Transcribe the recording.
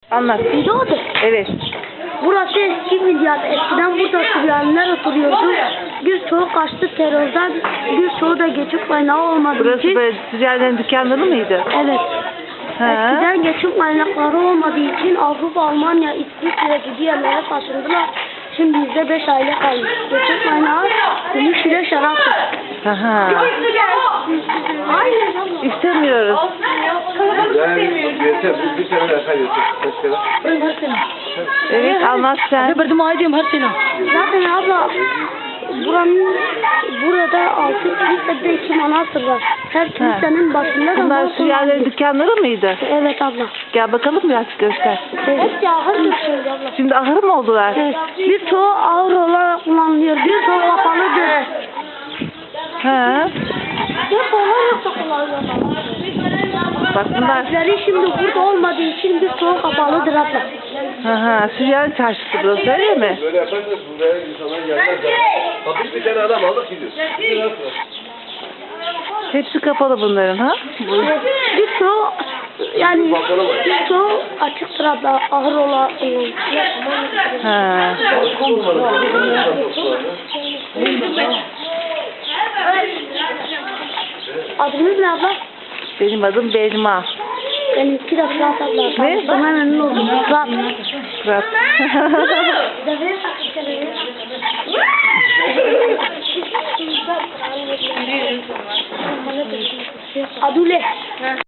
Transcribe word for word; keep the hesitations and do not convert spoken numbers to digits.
Anlat. Doğru. Evet. Burası eski bir yer. Eskiden burada Suriyeliler oturuyordu. Birçoğu kaçtı terörden. Birçoğu da geçim kaynağı olmadığı Burası için. böyle Suriyelilerin dükkanları mıydı? Evet. Ha. Eskiden geçim kaynakları olmadığı için Avrupa, Almanya, İsviçre gibi yerlere taşındılar. Şimdi bizde beş aile kalmış. Geçim kaynağı gümüş ile şaraptır. Aha. Hayır. İstemiyoruz. Yani yeter, bir sene daha yeter. Kaç kere? Evet, anlat sen. Zaten abla buranın burada altı kilisede iki manastır var. Her kilisenin başında da Bunlar balkon Suriyelilerin var. dükkanları mıydı? Evet abla. Gel bakalım biraz göster. Hep ahır yapıyoruz abla. Şimdi ahır mı oldular? Evet. Birçoğu ağır olarak kullanılıyor. Birçoğu kapalıdır. Ha. Birçoğu yoksa kullanılıyor. Bak bunlar. Bizleri şimdi burada olmadığı için birçoğu kapalıdır abla. Aha, Suriyeli çarşısı burası öyle mi? Böyle yaparsanız buraya insanlar gelmez. Hafif bir tane adam aldık gidiyoruz. Hepsi kapalı bunların ha? Evet. Birçoğu yani birçoğu açıktır abla. Ağır olarak kullanılıyor. Ha. Adınız ne abla? Benim adım Belma. Benimki de Fırat abla. Ne? Bana memnun oldum. Fırat. Fırat. Adule.